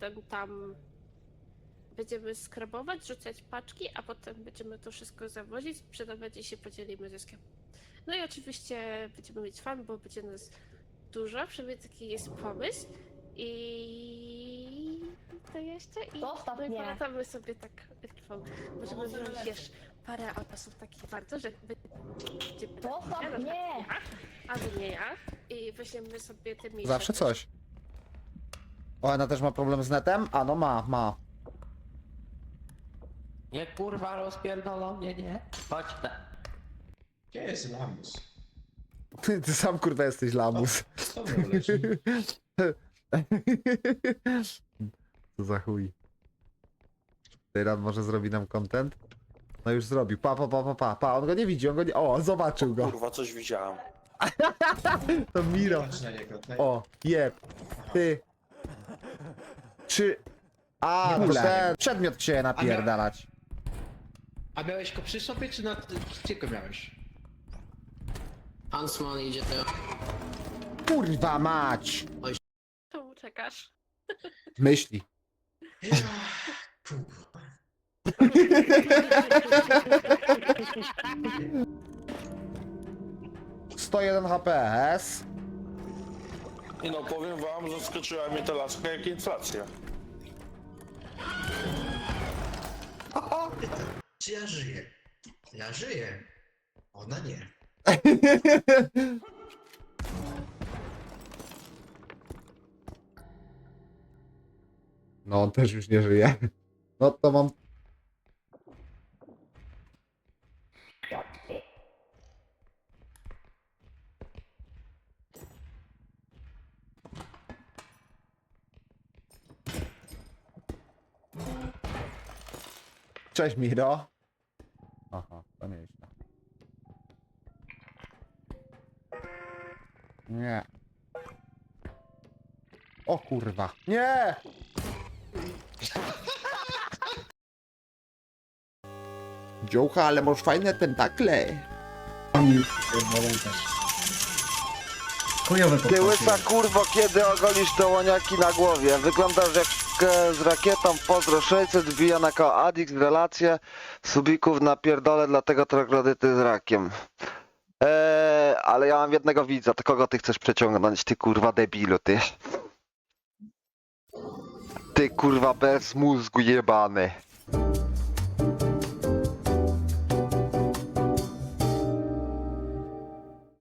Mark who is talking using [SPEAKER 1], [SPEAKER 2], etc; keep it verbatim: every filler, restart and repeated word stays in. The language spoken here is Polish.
[SPEAKER 1] potem tam będziemy skrabować, rzucać paczki, a potem będziemy to wszystko zawozić, sprzedawać i się podzielimy zyskiem. No i oczywiście będziemy mieć fan, bo będzie nas dużo, przynajmniej taki jest pomysł. I to jeszcze i
[SPEAKER 2] Zostaw
[SPEAKER 1] no i
[SPEAKER 2] mnie.
[SPEAKER 1] polatamy sobie tak trwą. Możemy wziąć, wiesz, parę autosów takich warto, że będziemy
[SPEAKER 2] Zostaw
[SPEAKER 1] ja, na
[SPEAKER 2] mnie.
[SPEAKER 1] przykład ja, albo nie ja i weźmiemy sobie te miejsca.
[SPEAKER 3] Zawsze coś. O, ona też ma problem z netem? A no ma, ma.
[SPEAKER 4] Nie kurwa rozpierdolą mnie, nie? Chodź na...
[SPEAKER 5] Gdzie jest lamus?
[SPEAKER 3] Ty, ty sam kurwa jesteś lamus.
[SPEAKER 5] Co mną leży?
[SPEAKER 3] Co za chuj. Teraz może zrobi nam content? No już zrobił. Pa, pa, pa, pa, pa, pa. On go nie widzi, on go nie... O, zobaczył go.
[SPEAKER 6] Kurwa, coś widziałem.
[SPEAKER 3] To Miro.
[SPEAKER 5] Patrz na niego. Na...
[SPEAKER 3] O, jeb. Ty. Czy... A,
[SPEAKER 7] Nie
[SPEAKER 3] to
[SPEAKER 7] bój.
[SPEAKER 3] ten przedmiot się napierdalać.
[SPEAKER 7] A miałeś go przy sobie, czy na... Gdzie go miałeś?
[SPEAKER 8] Hansman idzie teraz.
[SPEAKER 3] Kurwa mać.
[SPEAKER 1] Czemu czekasz?
[SPEAKER 3] Myśli.
[SPEAKER 5] Kurwa.
[SPEAKER 3] sto jeden H P S.
[SPEAKER 6] I no powiem wam, zaskoczyła mnie ta laska jak inflacja.
[SPEAKER 5] Czy ja żyję? Ja żyję. Ona nie.
[SPEAKER 3] No on też już nie żyje. No to mam... Cześć Miro. Aha, to nieźle. Nie. O kurwa. Nie! Dziołcha, ale masz fajne tentakle.
[SPEAKER 9] Chujowe
[SPEAKER 10] Ty łysa kurwo, kiedy ogolisz te łoniaki na głowie? Wyglądasz jak e, z rakietą Pozdro sześćset, wbija na koło Adix, relacje, subików na pierdole, dlatego troglodyty z rakiem. Eee, ale ja mam jednego widza, to kogo ty chcesz przeciągnąć, ty kurwa debilu, ty? Ty kurwa bez mózgu jebany.